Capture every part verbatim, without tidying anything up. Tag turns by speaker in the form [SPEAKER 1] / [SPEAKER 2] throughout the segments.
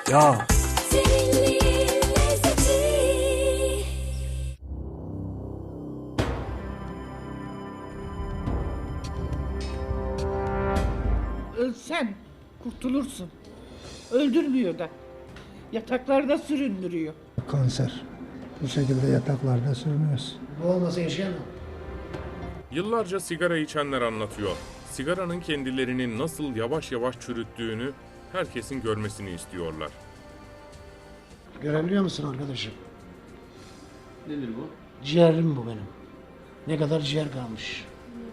[SPEAKER 1] Ya.
[SPEAKER 2] Ölsen kurtulursun. Öldürmüyor da. Yataklarda süründürüyor.
[SPEAKER 3] Kanser. Bu şekilde yataklarda sürünüyoruz.
[SPEAKER 4] Bu olmasa yaşayamam.
[SPEAKER 5] Yıllarca sigara içenler anlatıyor. Sigaranın kendilerini nasıl yavaş yavaş çürüttüğünü herkesin görmesini istiyorlar.
[SPEAKER 4] Görebiliyor musun arkadaşım?
[SPEAKER 6] Nedir bu?
[SPEAKER 4] Ciğerim bu benim. Ne kadar ciğer kalmış.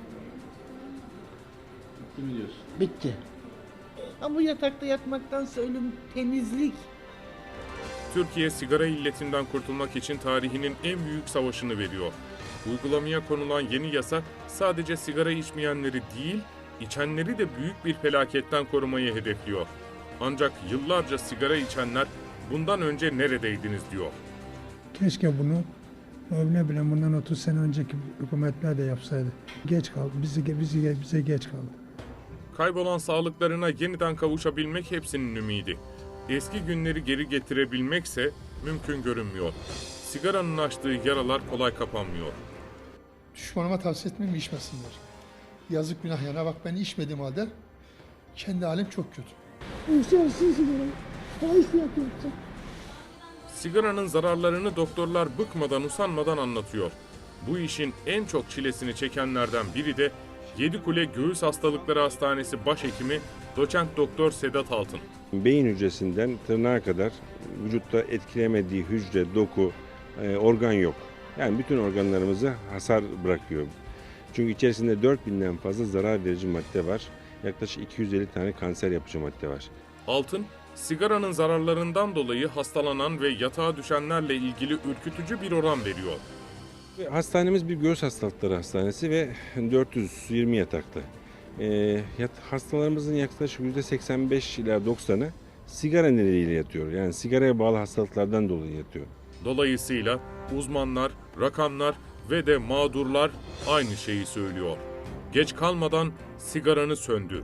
[SPEAKER 6] Bitti mi diyorsun?
[SPEAKER 4] Bitti.
[SPEAKER 2] Ama bu yatakta yatmaktansa ölüm temizlik.
[SPEAKER 5] Türkiye sigara illetinden kurtulmak için tarihinin en büyük savaşını veriyor. Uygulamaya konulan yeni yasa sadece sigara içmeyenleri değil, içenleri de büyük bir felaketten korumayı hedefliyor. Ancak yıllarca sigara içenler bundan önce neredeydiniz diyor.
[SPEAKER 3] Keşke bunu ne bileyim bundan otuz sene önceki hükümetler de yapsaydı. Geç kaldı. Bizi, bizi, bize geç kaldı.
[SPEAKER 5] Kaybolan sağlıklarına yeniden kavuşabilmek hepsinin ümidi. Eski günleri geri getirebilmekse mümkün görünmüyor. Sigaranın açtığı yaralar kolay kapanmıyor.
[SPEAKER 7] Düşmanıma tavsiye etmem içmesinler. Yazık günah yana bak ben içmediğim halde kendi halim çok kötü.
[SPEAKER 8] İnsansız sigara. Fahiş fiyat yaptı.
[SPEAKER 5] Sigaranın zararlarını doktorlar bıkmadan usanmadan anlatıyor. Bu işin en çok çilesini çekenlerden biri de Yedikule Göğüs Hastalıkları Hastanesi Başhekimi Doçent Doktor Sedat Altın.
[SPEAKER 9] Beyin hücresinden tırnağa kadar vücutta etkilemediği hücre, doku, e, organ yok. Yani bütün organlarımızı hasar bırakıyor. Çünkü içerisinde dört binden fazla zarar verici madde var. Yaklaşık iki yüz elli tane kanser yapıcı madde var.
[SPEAKER 5] Altın, sigaranın zararlarından dolayı hastalanan ve yatağa düşenlerle ilgili ürkütücü bir oran veriyor.
[SPEAKER 9] Hastanemiz bir göğüs hastalıkları hastanesi ve dört yüz yirmi yataklı. E, yat, hastalarımızın yaklaşık yüzde seksen beş ila doksanı sigara nedeniyle yatıyor. Yani sigaraya bağlı hastalıklardan dolayı yatıyor.
[SPEAKER 5] Dolayısıyla uzmanlar, rakamlar ve de mağdurlar aynı şeyi söylüyor. Geç kalmadan sigaranı söndür.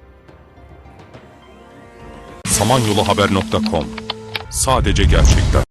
[SPEAKER 10] samanyoluhaber nokta com Sadece gerçekler.